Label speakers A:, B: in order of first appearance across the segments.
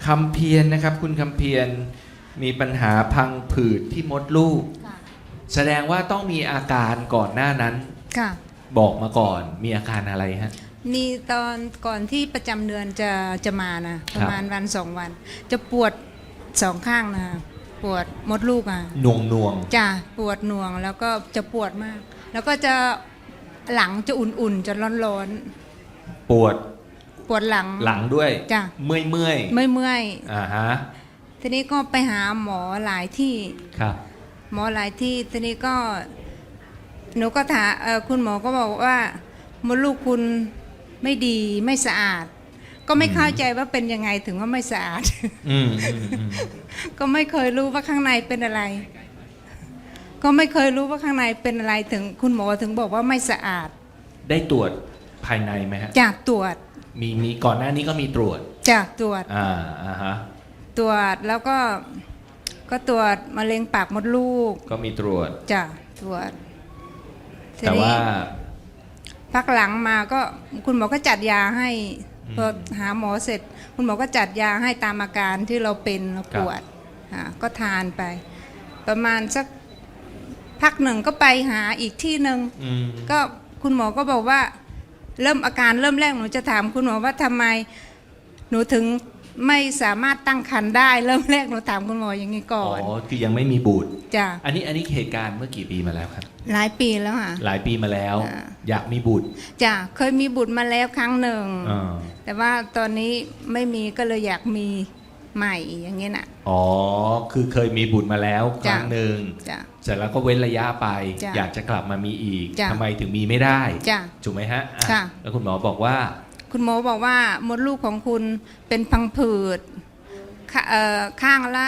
A: คำเพียรนะครับ คุณคำเพียรมีปัญหาพังผืดที่มดลูก
B: ค่ะ
A: แสดงว่าต้องมีอาการก่อนหน้านั้น
B: ค่ะ
A: บอกมาก่อนมีอาการอะไรฮะ
B: มีตอนก่อนที่ประจำเดือนจะมานะประมาณวันสองวัน จะปวดสองข้างนะปวดมดลูกอ่ะ
A: หน่วง
B: จะปวดหน่วงแล้วก็จะปวดมาก แล้วก็จะหลังจะอุ่นๆจะร้อน
A: ปวด
B: ๆปวดหลัง
A: หลังด้วย
B: จ้ะ
A: เมื่อย
B: เมื่อย
A: อ่าฮะ
B: ๆทีนี้ก็ไปหาหมอหลายที่
A: ครับ
B: หมอหลายที่ทีนี้ก็หนูก็ถามคุณหมอก็บอกว่ามดลูกคุณไม่ดีไม่สะอาด ก็ไม่เข้าใจว่าเป็นยังไงถึงว่าไม่สะอาด
A: อืม
B: ก็ไม่เคยรู้ว่าข้างในเป็นอะไร ก็ไม่เคยรู้ว่าข้างในเป็นอะไรถึงคุณหมอถึงบอกว่าไม่สะอาด
A: ได้ตรวจภายในไหมฮะ
B: จากตรวจ
A: มีก่อนหน้านี้ก็มีตรวจ
B: จากตรวจ
A: อ่าฮะ
B: ตรวจแล้วก็ตรวจมะเร็งปากมดลูก
A: ก็มีตรวจ
B: จ้ะตรวจที
A: แต่
B: นี้
A: ว่า
B: พักหลังมาก็คุณหมอก็จัดยาให้
A: อืม
B: พอหาหมอเสร็จ คุณหมอก็จัดยาให้ตามอาการที่เราเป็นเรา
A: ครับ
B: ปวดก็ทานไป ประมาณสักพักหนึ่งก็ไปหาอีกที่หนึ่ง
A: อืม
B: ก็คุณหมอก็บอกว่าเริ่มอาการเริ่มแรกหนูจะถามคุณหมอว่าทำไมหนูถึงไม่สามารถตั้งครรภ์ได้ เริ่มแรกหนูถามคุณหมออย่างนี้ก่
A: อ๋
B: อ
A: อน คือยังไม่มีบุตร
B: จ้ะ
A: อันนี้เหตุการณ์เมื่อกี่ปีมาแล้วครับ
B: หลายปีแล้วค่ะ
A: หลายปีมาแล้ว
B: อ่า
A: อยากมีบุตร
B: จ้ะเคยมีบุตรมาแล้วครั้งหนึ่ง
A: อ่า
B: แต่ว่าตอนนี้ไม่มีก็เลยอยากมีใหม่อย่างเงี้ยน่ะ
A: อ๋อ คือเคยมีบุตรมาแล้วค
B: จ้ะ
A: รั้งหนึ่ง
B: จ้ะ
A: เสร็จแล้วก็เว้นระยะไป
B: จ้ะ
A: อยากจะกลับมามีอีก
B: จ้ะ
A: ทำไมถึงมีไม่ได้
B: จ้ะ
A: ถูกไหมฮะอ่
B: ค่ะ
A: แล้วคุณหมอบอกว่า
B: คุณหมอบอกว่ามดลูกของคุณเป็นพังผืดข้างละ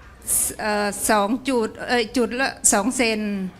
B: 2 จุดจุดละ2 เซน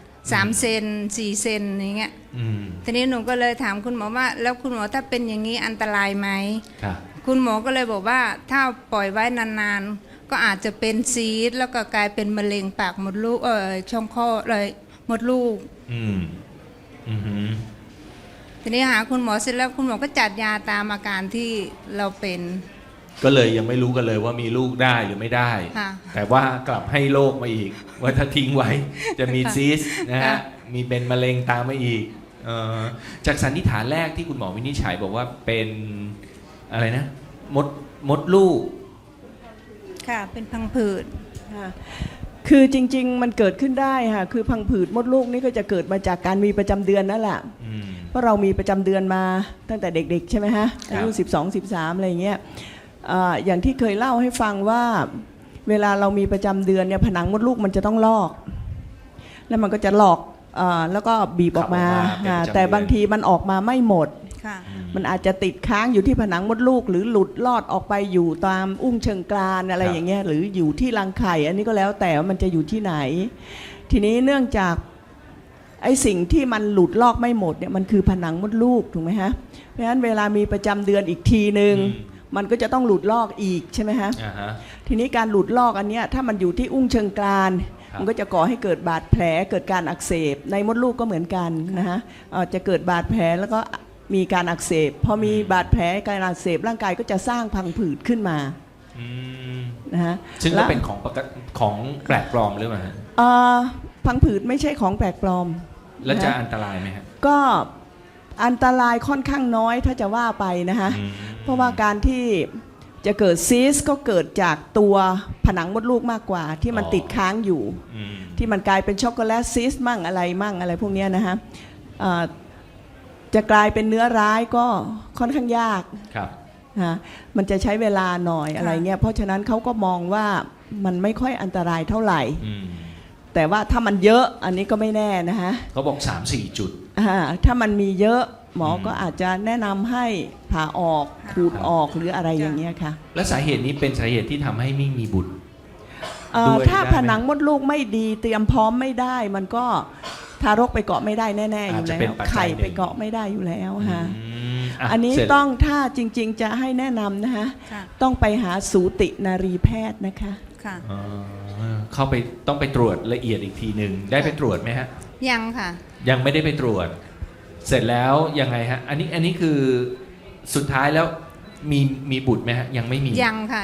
B: 3 เซน4 เซนอย่างเงี้ย
A: อืม
B: ทีนี้หนูก็เลยถามคุณหมอว่า แล้วคุณหมอถ้าเป็นอย่างนี้อันตรายไหม
A: ค่ะ
B: คุณหมอก็เลยบอกว่าถ้าปล่อยไว้นานๆ ก็อาจจะเป็นซีสต์แล้วก็กลายเป็นมะเร็งปากมดลูกช่องคลอดเลยมดลูก
A: อืม อือหือ
B: ทีนี้หาคุณหมอเสร็จแล้วคุณหมอก็จัดยาตามอาการที่เราเป็น
A: ก็เลยยังไม่รู้กันเลยว่ามีลูกได้หรือไม่ได้
B: ค่ะ
A: แต่ว่ากลับให้โรคมาอีก ว่าถ้าทิ้งไว้ จะมีซีสต์นะฮะ
B: ค่ะ
A: มีเป็นมะเร็งตามมาอีกจากสันนิษฐานแรกที่คุณหมอวินิจฉัยบอกว่าเป็นอะไรนะ มดลูก
B: ค่ะเป็นพังผืด
C: ค่ะคือจริงๆมันเกิดขึ้นได้ค่ะคือพังผืดมดลูกนี่ก็จะเกิดมาจากการมีประจำเดือนนั่นแหละ
A: อืม
C: เพราะเรามีประจำเดือนมาตั้งแต่เด็กๆใช่ไหมฮะ
A: ครับ
C: อายุ12-13อะไรอย่างเงี้ยอย่างที่เคยเล่าให้ฟังว่าเวลาเรามีประจำเดือนเนี่ยผนังมดลูกมันจะต้องลอก แล้วมันก็จะหลอกแล้วก็บีบออกมา
A: เป็นประจำเดือน
C: แต่บางทีมันออกมาไม่หมด
B: ค่ะ
C: มันอาจจะติดค้างอยู่ที่ผนังมดลูก หรือหลุดลอดออกไปอยู่ตามอุ้งเชิงกรานอะไรอย่างเงี้ยหรืออยู่ที่รังไข่ อันนี้ก็แล้วแต่ว่ามันจะอยู่ที่ไหน ทีนี้เนื่องจากไอ้สิ่งที่มันหลุดลอกไม่หมดเนี่ยมันคือผนังมดลูกถูกไหมฮะเพราะฉะนั้นเวลามีประจำเดือนอีกทีหนึ่งมันก็จะต้องหลุดลอกอีกใช่ไหมฮะ
A: อ่าฮะ
C: ทีนี้การหลุดลอกอันเนี้ยถ้ามันอยู่ที่อุ้งเชิงกราน
A: ครับ
C: มันก็จะก่อให้เกิดบาดแผลเกิดการอักเสบในมดลูกก็เหมือนกันนะฮะจะเกิดบาดแผลแล้วก็มีการอักเสบพอมีบาดแผลการอักเสบร่างกายก็จะสร้างพังผืดขึ้นมา
A: อืม
C: นะฮะ
A: ซึ่งก็
C: แล้ว
A: เป็นของแปลกปลอมหรือเปล่าฮะ
C: พังผืดไม่ใช่ของแปลกปลอม
A: แล้วจะ
C: นะฮะ
A: อันตรายไหมฮะ
C: ก็อันตรายค่อนข้างน้อยถ้าจะว่าไปนะฮะ
A: อืม
C: เพราะว่าการที่จะเกิดซีสต์ก็เกิดจากตัวผนังมดลูกมากกว่าที่มันติดค้างอยู่
A: อืม
C: ที่มันกลายเป็นช็อกโกแลตซีสต์มั่งอะไรพวกเนี้ยนะฮะจะกลายเป็นเนื้อร้ายก็ค่อนข้างยาก
A: ครับ
C: นะมันจะใช้เวลาหน่อยอะไรเงี้ยเพราะฉะนั้นเขาก็มองว่ามันไม่ค่อยอันตรายเท่าไหร่
A: อืม
C: แต่ว่าถ้ามันเยอะอันนี้ก็ไม่แน่นะฮะ
A: เขาบอก 3-4 จุด
C: ถ้ามันมีเยอะหมออ
A: ม
C: ก็อาจจะแนะนำให้ผ่าออกขูดออกหรืออะไรอย่างเงี้ยค่ะ
A: และสาเหตุนี้เป็นสาเหตุที่ทำให้ไม่มีบุตร ด้วย
C: ถ้า
A: ได้ไหม
C: ผนังมดลูกไม่ดีเตรียมพร้อมไม่ได้ มันก็ทารกไปเกาะไม่ได้แน่ๆอยู่
A: อาจจะ
C: แล้
A: เป็น
C: ว
A: ปัจจัย
C: ไข่
A: หนึ่ง
C: ไปเกาะไม่ได้อยู่แล้วฮะ
A: ะ
C: อันนี้
A: เสร็จ
C: ต้องถ้าจริงๆจะให้แนะนำนะฮะ
B: ค่ะ
C: ต้องไปหาสูตินารีแพทย์นะคะ
B: ค่ะ
A: อ๋อเข้าไปต้องไปตรวจละเอียดอีกทีหนึ่งได้ไปตรวจไหมฮะ
B: ยังค่ะ
A: ยังไม่ได้ไปตรวจ เสร็จแล้วยังไงฮะ อันนี้คือสุดท้ายแล้วมีบุตรไหมฮะ ยังไม่มี
B: ยังค่ะยังไม่มี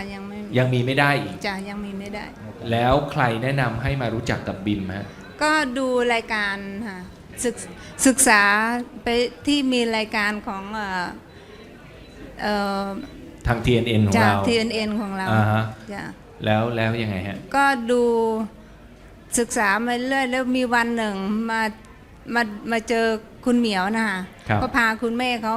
A: ยังมีไม่ได้อีก
B: จะยังมีไม่ได้
A: แล้วใครแนะนำให้มารู้จักกับบิมฮะ
B: ก็ดูรายการค่ะศึกษาไปที่มีรายการของเอ่อ
A: ทาง TNN ของ
B: จาก
A: เรา
B: TNN ของเรา
A: อ่าฮะ
B: จ้ะ
A: แล้วยังไงฮะ
B: ก็ดูศึกษามาเรื่อยแล้วมีวันหนึ่งมาเจอคุณเหมียวนะคะ
A: ครับ
B: ก็พาคุณแม่เขา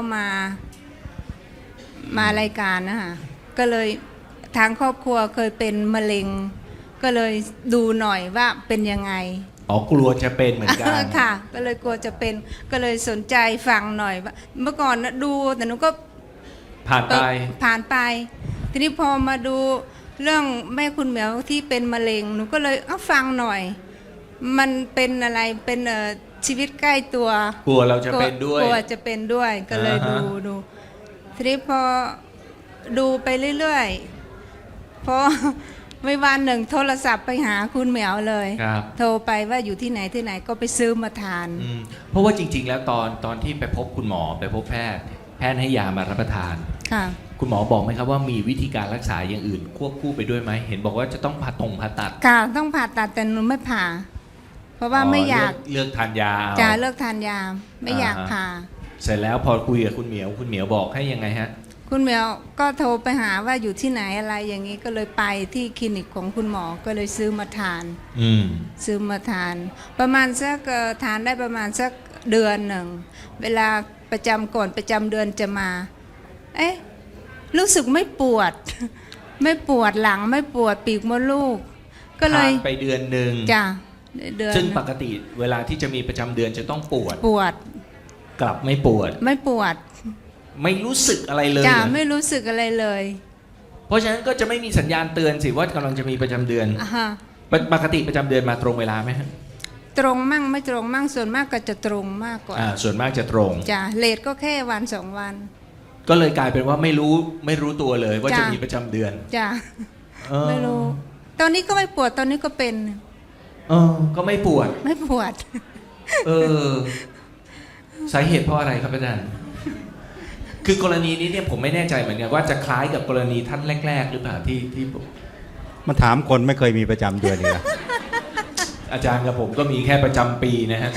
B: มารายการนะคะก็เลยทางครอบครัวเคยเป็นมะเร็ง ก็เลยดูหน่อยว่าเป็นยังไง
A: อ๋อกลัวจะเป็นเหมือนกัน
B: ค่ะ ก็เลยกลัวจะเป็นก็เลยสนใจฟังหน่อยว่าเมื่อก่อนนะดูแต่หนูก็
A: ผ่านไป
B: ผ่านไป ทีนี้พอมาดูเรื่องแม่คุณเหมียวที่เป็นมะเร็งหนูก็เลยเอาฟังหน่อย มันเป็นอะไรเป็นชีวิตใกล้ตัว
A: กลัวเราจะเป็นด้วย
B: กลัวจะเป็นด้วยก็เลย
A: อ่าฮะ
B: ดูทีนี้พอดูไปเรื่อยๆพอ ไม่วันหนึ่งโทรศัพท์ไปหาคุณเหมียวเลย
A: ครับ
B: โทรไปว่าอยู่ที่ไหนก็ไปซื้อมาทาน
A: อืมเพราะว่าจริง ๆ แล้วตอนที่ไปพบคุณหมอไปพบแพทย์ให้ยามารับประทาน
B: ค่ะ
A: คุณหมอบอกไหมครับว่ามีวิธีการรักษาอย่างอื่น ควบคู่ไปด้วยไหมเห็นบอกว่าจะต้องผ่าตัด
B: ค่ะต้องผ่าตัดแต่หนูไม่ผ่า เพราะว่าไม่อยาก
A: เลือกทานยาเอา
B: จะเลิกทานยาไม่อยาก
A: อ่าฮะ
B: ผ่า
A: เสร็จแล้วพอคุยกับคุณเหมียวบอกให้ยังไงฮะ
B: คุณเหมียวก็โทรไปหาว่าอยู่ที่ไหนอะไรอย่างนี้ก็เลยไปที่คลินิกของคุณหมอก็เลยซื้อมาทาน
A: อืม
B: ซื้อมาทาน ประมาณสักทานได้ประมาณสักเดือนหนึ่งเวลาประจำก่อนประจำเดือนจะมา เอ๊ะรู้สึกไม่ปวด ไม่ปวดหลังไม่ปวดปีกมดลูก ก็เลย
A: ทานไปเดือนหนึ่ง
B: จ้ะเดือน
A: ซึ่งปกติเวลาที่จะมีประจำเดือนจะต้องปวด
B: ปวด
A: กลับไม่ปวด
B: ไม่ปวด
A: ไม่รู้สึกอะไรเลย
B: จ้ะ
A: เหรอ
B: ไม่รู้สึกอะไรเลย
A: เพราะฉะนั้นก็จะไม่มีสัญญาณเตือนสิว่ากำลังจะมีประจำเดือน
B: อ่าฮะ
A: ปกติประจำเดือนมาตรงเวลาไหมฮะ
B: ตรงมั่งไม่ตรงมั่งส่วนมากก็จะตรงมากกว่า
A: ส่วนมากจะตรง
B: จ้ะเลทก็แค่วันสองวัน
A: ก็เลยกลายเป็นว่าไม่รู้ตัวเลยว่า
B: จ้ะ
A: จะมีประจำเดือน
B: จ้ะ
A: เออ
B: ไม่รู้ ตอนนี้ก็ไม่ปวดตอนนี้ก็เป็น
A: ก็ไม่ปวด
B: ไม่ปวด
A: เออสาเหตุเพราะอะไรครับอาจารย์คือกรณีนี้เนี่ยผมไม่แน่ใจเหมือนกันว่าจะคล้ายกับกรณีท่านแรก ๆ หรือเปล่าที่ผม
D: มาถามคนไม่เคยมีประจำเดือนเลย
A: อาจารย์กับผมก็มีแค่ประจำปีนะฮะ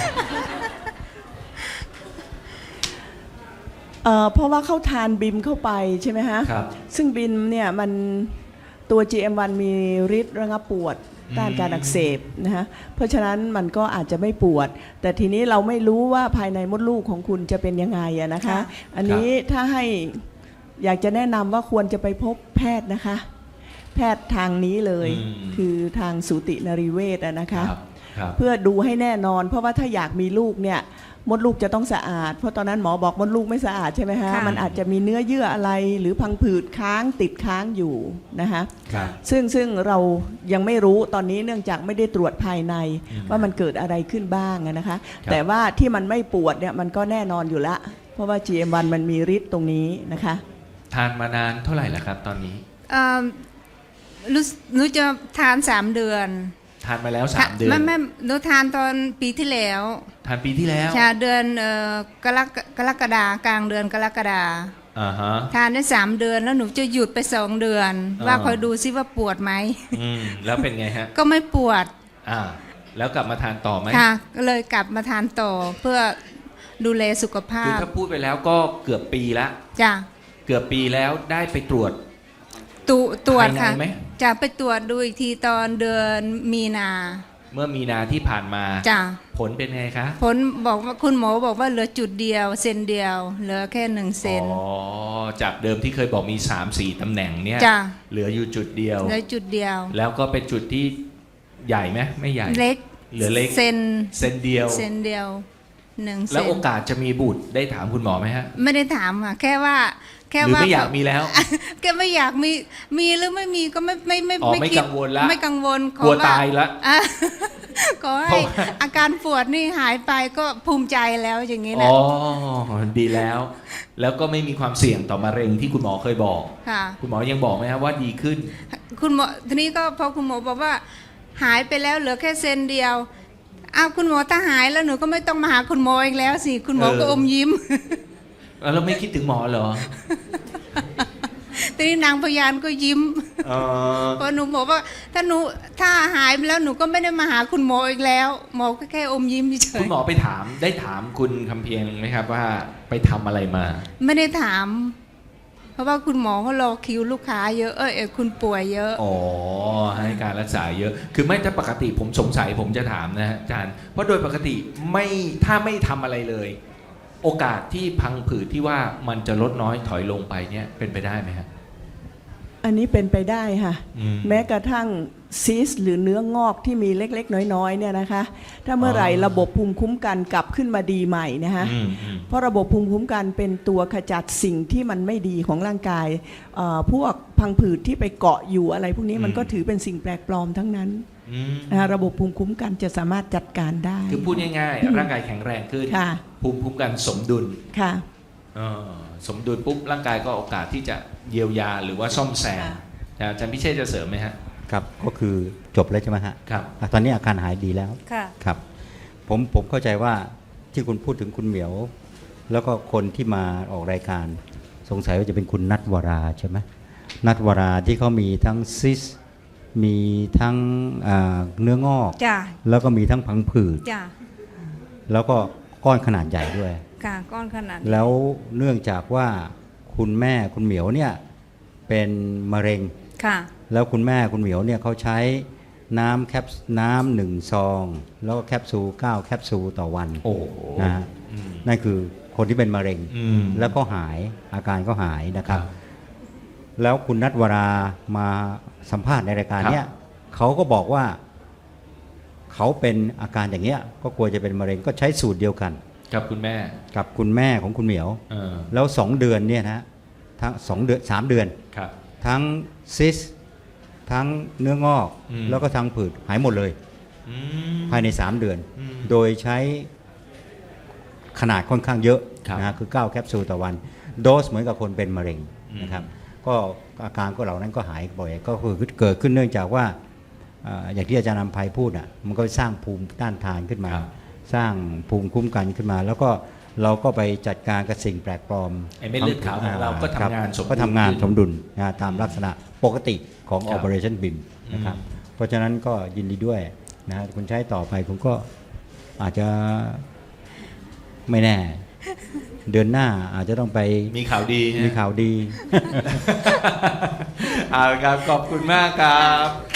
C: เพราะว่าเขาทานบิมเข้าไปใช่ไหมฮะ
A: ครับ
C: ซึ่งบิมเนี่ยมันตัว GM1 มีฤทธิ์ระงับปวดต้านการอักเสบนะฮะเพราะฉะนั้นมันก็อาจจะไม่ปวด แต่ทีนี้เราไม่รู้ว่าภายในมดลูกของคุณจะเป็นยังไงอะนะคะ
B: ค่ะ
C: อันนี้ถ้าให้อยากจะแนะนำว่าควรจะไปพบแพทย์นะคะ แพทย์ทางนี้เลย คือทางสูตินรีเวชอะนะคะ
A: ครับ
C: เพื่อดูให้แน่นอน เพราะว่าถ้าอยากมีลูกเนี่ยมดลูกจะต้องสะอาด เพราะตอนนั้นหมอบอกมดลูกไม่สะอาดใช่ไหมฮะ
B: ค่ะ
C: มันอาจจะมีเนื้อเยื่ออะไรหรือพังผืดค้างติดค้างอยู่นะคะ
A: ครับ
C: ซึ่งเรายังไม่รู้ตอนนี้เนื่องจากไม่ได้ตรวจภายใน
A: อืม
C: ว่ามันเกิดอะไรขึ้นบ้างอะนะคะ
A: ครับ
C: แต่ว่าที่มันไม่ปวดเนี่ยมันก็แน่นอนอยู่ละ เพราะว่า GM1 มันมีฤทธิ์ตรงนี้นะคะ
A: ทานมานานเท่าไหร่แล้วครับ ตอนนี้
B: หนูจะทาน3 เดือน
A: ทานมาแล้ว3 เดือน
B: ไม่หนูทานตอนปีที่แล้ว
A: ทานปีที่แล้ว
B: ชาเดือนกรกฎากลางเดือนกรกฎา
A: อ่าฮะ
B: ทานได้3 เดือนแล้วหนูจะหยุดไป2 เดือน ว่า
A: อ่า
B: คอยดูซิว่าปวดไหม
A: แล้วเป็นไงฮะ
B: ก็ไม่ปวด
A: แล้วกลับมาทานต่อไหม
B: ค่ะก็เลยกลับมาทานต่อเพื่อดูแลสุขภา
A: คือ
B: พ
A: ถ้าพูดไปแล้วก็เกือบปีละ
B: จ้ะ
A: เกือบปีแล้วได้ไปตรวจ
B: ตรวจ
A: ภายใน
B: ค่ะ
A: ไหม
B: จะไปตรวจดูอีกทีตอนเดือนมีนา
A: เมื่อมีนาที่ผ่านมา
B: จ้ะ
A: ผลเป็นไงคะ
B: ผลบอกว่าคุณหมอบอกว่าเหลือจุดเดียวเซนเดียว เหลือแค่1 เซน
A: จากเดิมที่เคยบอกมี 3-4 ตำแหน่งเนี่ย
B: จ้ะ
A: เหลืออยู่จุดเดียว
B: เหลือจุดเดียว
A: แล้วก็เป็นจุดที่ใหญ่ไหมไม่ใหญ่
B: เล็ก
A: เหลือเล็ก
B: เซน
A: เซนเดียว
B: เซนเดียว1 เซ
A: แล้วโอ
B: น
A: กาสจะมีบุตรได้ถามคุณหมอไหมฮะ
B: ไม่ได้ถามค่ะแค่ว่า
A: หรือไม่อยากมีแล้ว
B: แกไม่อยากมีหรือไม่มีก็ไม่
A: อ๋อไม่
B: คิด
A: กังวลละ
B: ไม่กังวล
A: กลัวตายละ
B: อ่ะขอ
A: เพ
B: ให้
A: ราะว่า
B: อาการปวดนี่หายไปก็ภูมิใจแล้วอย่างนี้
A: อ๋
B: นะ
A: อดีแล้ว แล้วก็ไม่มีความเสี่ยงต่อมะเร็งที่คุณหมอเคยบอก
B: ค่ะ
A: คุณหมอยังบอกไหมครับว่าดีขึ้น
B: คุณหมอทีนี้ก็พอคุณหมอบอกว่า หายไปแล้วเหลือแค่เซนเดียวอ้าวคุณหมอถ้าหายแล้วหนูก็ไม่ต้องมาหาคุณหมออีกแล้วสิคุณหมอก็อมยิ้ม
A: แล้วไม่คิดถึงหมอเหรอ
B: ทีนี้นางพยานก็ยิ้ม
A: เออ
B: เพราะหนูบอกว่าถ้าหายไปแล้วหนูก็ไม่ได้มาหาคุณหมออีกแล้ว หมอก็แค่อมยิ้มเฉ
A: คุณ
B: ย
A: หมอไปถามได้ถามคุณคำเพียงไหมครับว่าไปทำอะไรมา
B: ไม่ได้ถาม เพราะว่าคุณหมอเขารอคิวลูกค้าเยอะคุณป่วยเยอะ
A: อ๋อให้การรักษาเยอะ คือไม่ถ้าปกติผมสงสัยผมจะถามนะฮะอาจารย์เพราะโดยปกติถ้าไม่ทำอะไรเลย โอกาสที่พังผืดที่ว่ามันจะลดน้อยถอยลงไปเนี่ยเป็นไปได้ไหมฮะ
C: อันนี้เป็นไปได้ค่ะ
A: อืม
C: แม้กระทั่งซีสหรือเนื้องอกที่มีเล็กๆ น้อยๆเนี่ยนะคะ ถ้าเมื่อไหร่ระบบภูมิคุ้มกันกลับขึ้นมาดีใหม่นะคะ เพราะระบบภูมิคุ้มกันเป็นตัวขจัดสิ่งที่มันไม่ดีของร่างกายพวกพังผืดที่ไปเกาะอยู่อะไรพวกนี้มันก็ถือเป็นสิ่งแปลกปลอมทั้งนั้นนะคะระบบภูมิคุ้มกันจะสามารถจัดการได้
A: คือพูดง่ายๆ ร่างกายแข็งแรงขึ้น
C: ค่ะ
A: ภูมิคุ้มกันสมดุล
C: ค่ะ
A: สมดุลปุ๊บร่างกายก็โอกาสที่จะเยียวยาหรือว่าซ่อมแซม
C: ค่ะ
A: อาจารย์พิเชษจะเสริมไหมฮะ
D: ครับก็คือจบแล้วใช่ไหมฮะ
A: ครับ
D: ตอนนี้อาการหายดีแล้ว
B: ค่ะ
D: ครับผมเข้าใจว่าที่คุณพูดถึงคุณเหมียว แล้วก็คนที่มาออกรายการสงสัยว่าจะเป็นคุณนัทวราใช่ไหมนัทวราที่เขามีทั้งซิสมีทั้งเนื้องอก
B: จ้ะ
D: แล้วก็มีทั้งพังผืด
B: จ้ะ
D: แล้วก็ก้อนขนาดใหญ่ด้วย
B: ค่ะก้อนขนาดนี้
D: แล้วเนื่องจากว่าคุณแม่คุณเหมียวเนี่ยเป็นมะเร็ง
B: ค่ะ
D: แล้วคุณแม่คุณเหมียวเนี่ยเขาใช้น้ำ1 ซอง แล้วก็แคปซูล9 แคปซูลต่อวัน
A: โอ้โห
D: นะฮะนั่นคือคนที่เป็นมะเร็ง
A: อืม
D: แล้วก็หายอาการก็หายนะครับ
A: ครับ
D: แล้วคุณนัทวรามาสัมภาษณ์ในรายการเนี้ย
A: ครับ
D: เขาก็บอกว่าเขาเป็นอาการอย่างเงี้ยก็กลัวจะเป็นมะเร็งก็ใช้สูตรเดียวกัน
A: กับคุณแม่
D: กับคุณแม่ของคุณเหมียว
A: เออ
D: แล้ว2 เดือนเนี่ยนะทั้ง2 เดือน3 เดือน
A: ครับ
D: ทั้งซิสทั้งเนื้องอก
A: อืม
D: แล้วก็ทั้งผืดหายหมดเลย
A: อืม
D: ภายใน 3 เดือน
A: อืม
D: โดยใช้ขนาดค่อนข้างเยอะ
A: ครับ
D: นะฮะคือ 9 แคปซูลต่อวัน โดสเหมือนกับคนเป็นมะเร็งนะครับก็อาการก็เหล่านั้นก็หายบ่อยก็คือเกิดขึ้นเนื่องจากว่าอย่างที่อาจารย์นำภัยพูดอ่ะมันก็สร้างภูมิต้านทานขึ้นมา
A: ครับ
D: สร้างภูมิคุ้มกันขึ้นมา แล้วก็เราก็ไปจัดการกับสิ่งแปลกปลอม
A: ไอ้เม็ดเลือดขาวของเราก็ทำงานสมดุล
D: ก็ทำงาน
A: ขึ้น
D: สมดุลนะตามลักษณะปกติของ
A: ครับ
D: Operation BIM นะครับ เพราะฉะนั้นก็ยินดีด้วยนะคุณใช้ต่อไปคุณก็อาจจะไม่แน่ เดือนหน้าอาจจะต้องไป
A: มีข่าวดีฮะ
D: มีข่าวดี
A: เอาละครับ ขอบคุณมากครับ